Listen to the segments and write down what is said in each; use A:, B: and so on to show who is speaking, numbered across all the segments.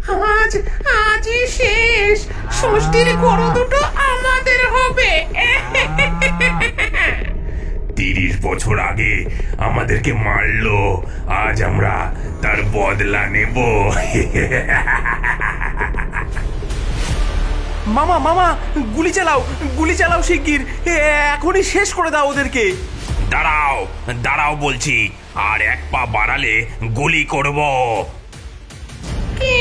A: আজ আজই শেষ। ষষ্ঠীর গরু দুটো আমাদের হবে।
B: 30 বছর আগে আমাদেরকে মারলো, আজ আমরা তার বদলা নেব।
C: মামা মামা গুলি চালাও, গুলি চালাও শিগগির, এখনই শেষ করে দাও ওদেরকে।
B: দাঁড়াও দাঁড়াও বলছি, আর এক পা বাড়ালে গুলি করব।
A: কে?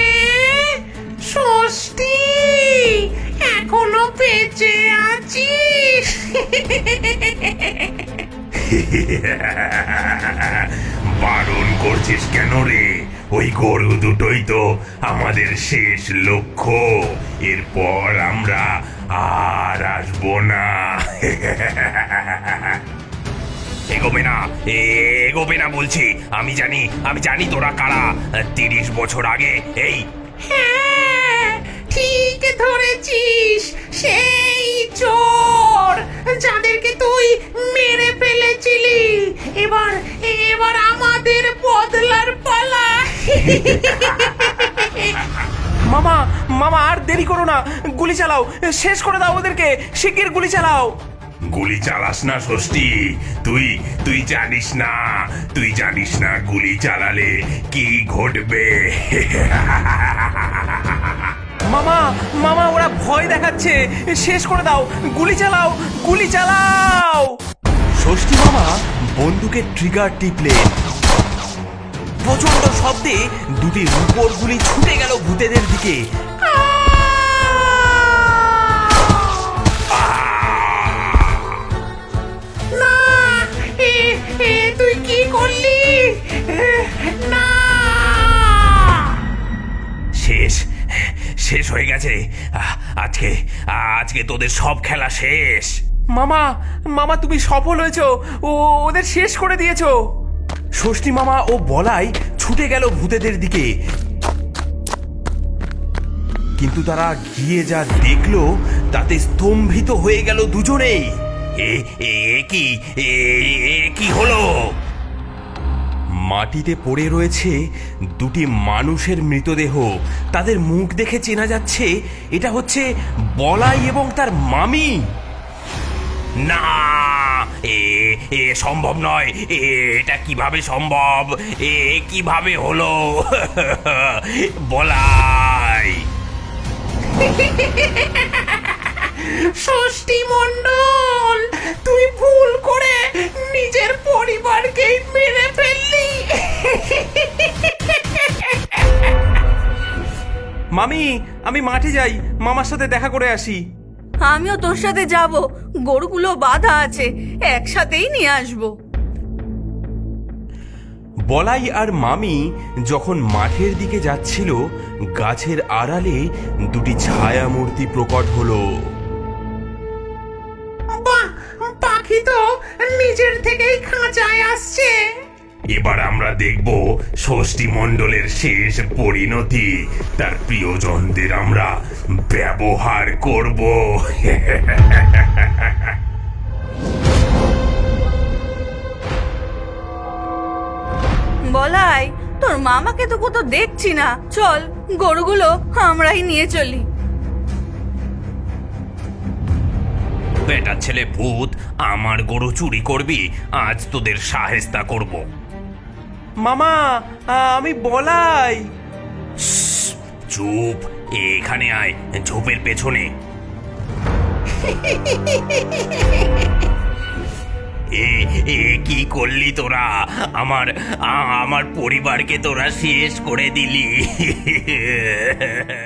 A: ষষ্ঠী, এখনো বেঁচে আছিস?
B: বারণ করছিস কেন রে? ওই গরু দুটোই তো আমাদের শেষ লক্ষ্য। এরপর আমরা আর আসবো না। এগোবে না, এগোবে না বলছি। আমি জানি তোরা কারা। 30 বছর আগে এই
A: হ্যাঁ, ঠিক ধরেছিস। সেই চোর যাদেরকে তুই মেরে ফেলেছিলি। এবার এবার আমাদের বদলার পালা।
C: মামা মামা আর দেরি করো না, গুলি চালাও, শেষ করে দাও ওদেরকে, শিগগির গুলি চালাও।
B: গুলি চালাস না ষষ্ঠী। তুই জানিস না গুলি চালালে কি ঘটবে।
C: মামা মামা ওরা ভয় দেখাচ্ছে, শেষ করে দাও, গুলি চালাও, গুলি চালাও। ষষ্ঠী মামা বন্দুকের ট্রিগার টিপলেন। প্রচন্ড শব্দে দুটি রূপোর গুলি ছুটে গেল ভূতেদের দিকে।
A: না, তুই কি করলি? না,
B: শেষ হয়ে গেছে। আজকে তোদের সব খেলা শেষ।
C: মামা মামা তুমি সফল হয়েছো, ওদের শেষ করে দিয়েছো। ষষ্ঠী মামা ও বলাই ছুটে গেল ভূতেদের দিকে, কিন্তু তারা গিয়ে যা দেখলো তাতে স্তম্ভিত হয়ে গেল দুজনেই।
B: কি হলো?
C: মাটিতে পড়ে রয়েছে দুটি মানুষের মৃতদেহ। তাদের মুখ দেখে চেনা যাচ্ছে এটা হচ্ছে বলাই এবং তার মামি।
B: না, এ সম্ভব নয়। এটা কিভাবে সম্ভব? কিভাবে হলো? বলাই,
A: ষষ্ঠী মণ্ডল, তুই ভুল করে নিজের পরিবারকেই মেরে ফেললি।
C: মামি আমি মাঠে যাই, মামার সাথে দেখা করে আসি।
D: আমিও তোর সাথে যাব, গরুগুলো বাঁধা আছে, একসাথেই নিয়ে আসবো।
C: বলাই আর মামি যখন মাঠের দিকে যাচ্ছিল, গাছের আড়ালে দুটি ছায়া মূর্তি প্রকট হলো।
A: বাহ, পাখি তো নিজের থেকেই খাঁচায় আসছে।
B: এবার আমরা দেখব ষষ্ঠী মণ্ডলের শেষ পরিণতি। তার প্রিয়জনদের আমরা ব্যবহার করব।
D: বলাই, তোর মামাকে তো কোথাও দেখছি না, চল গরুগুলো আমরাই নিয়ে চলি।
B: বেটা ছেলে ভূত, আমার গরু চুরি করবি, আজ তোদের শায়েস্তা করব।
C: মামা আমি বলাই।
B: চুপ, এখানে আয়, ঝোপের পেছনে। কি করলি তোরা? আমার পরিবারকে তোরা শেষ করে দিলি।